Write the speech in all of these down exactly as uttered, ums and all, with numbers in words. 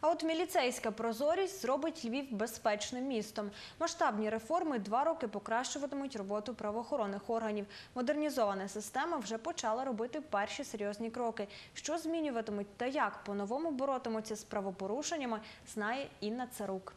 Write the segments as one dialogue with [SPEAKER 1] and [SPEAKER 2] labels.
[SPEAKER 1] А от міліцейська прозорість зробить Львів безпечним містом. Масштабні реформи два роки покращуватимуть роботу правоохоронних органів. Модернізована система вже почала робити перші серйозні кроки. Що змінюватимуть та як по-новому боротимуться з правопорушеннями, знає Інна Царук.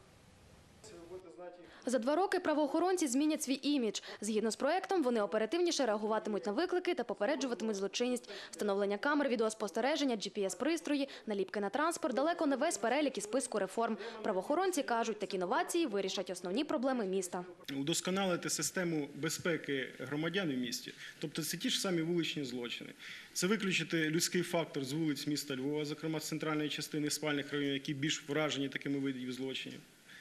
[SPEAKER 2] За два роки правоохоронці змінять свій імідж. Згідно з проектом, вони оперативніше реагуватимуть на виклики та попереджуватимуть злочинність. Встановлення камер, відеоспостереження, джі пі ес-пристрої, наліпки на транспорт – далеко не весь перелік із списку реформ. Правоохоронці кажуть, такі новації вирішать основні проблеми міста.
[SPEAKER 3] Удосконалити систему безпеки громадян в місті, тобто це ті ж самі вуличні злочини. Це виключити людський фактор з вулиць міста Львова, зокрема з центральної частини спальних районів, які більш вражені такими видами злочинів,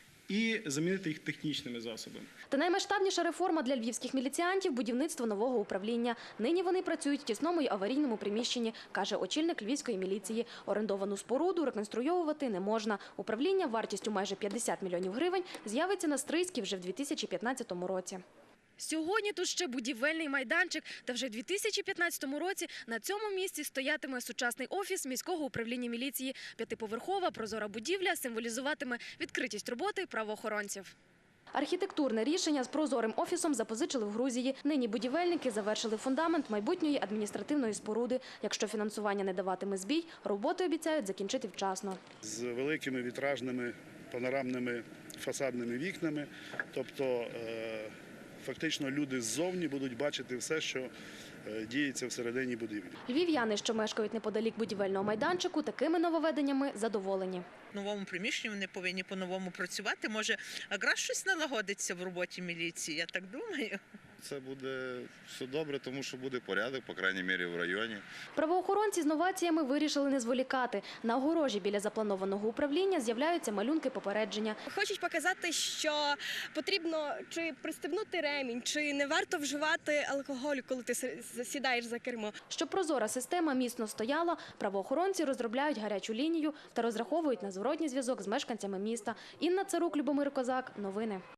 [SPEAKER 3] і замінити їх технічними засобами.
[SPEAKER 2] Та наймасштабніша реформа для львівських міліціантів – будівництво нового управління. Нині вони працюють в тісному й аварійному приміщенні, каже очільник львівської міліції. Орендовану споруду реконструйовувати не можна. Управління вартістю майже п'ятдесят мільйонів гривень з'явиться на Стрийській вже в дві тисячі п'ятнадцятому році. Сьогодні тут ще будівельний майданчик, та вже в дві тисячі п'ятнадцятому році на цьому місці стоятиме сучасний офіс міського управління міліції. П'ятиповерхова прозора будівля символізуватиме відкритість роботи правоохоронців. Архітектурне рішення з прозорим офісом запозичили в Грузії. Нині будівельники завершили фундамент майбутньої адміністративної споруди. Якщо фінансування не даватиме збій, роботи обіцяють закінчити вчасно.
[SPEAKER 4] З великими вітражними панорамними фасадними вікнами, тобто фактично люди ззовні будуть бачити все, що діється всередині будівлі.
[SPEAKER 2] Львів'яни, що мешкають неподалік будівельного майданчику, такими нововведеннями задоволені.
[SPEAKER 5] В новому приміщенні вони повинні по-новому працювати. Може, якраз щось налагодиться в роботі міліції, я так думаю.
[SPEAKER 6] Це буде все добре, тому що буде порядок, по крайній мірі, в районі.
[SPEAKER 2] Правоохоронці з новаціями вирішили не зволікати. На огорожі біля запланованого управління з'являються малюнки попередження.
[SPEAKER 7] Хочуть показати, що потрібно чи пристебнути ремінь, чи не варто вживати алкоголю, коли ти сідаєш за кермо.
[SPEAKER 2] Щоб прозора система міцно стояла, правоохоронці розробляють гарячу лінію та розраховують на зворотній зв'язок з мешканцями міста. Інна Царук, Любомир Козак. Новини.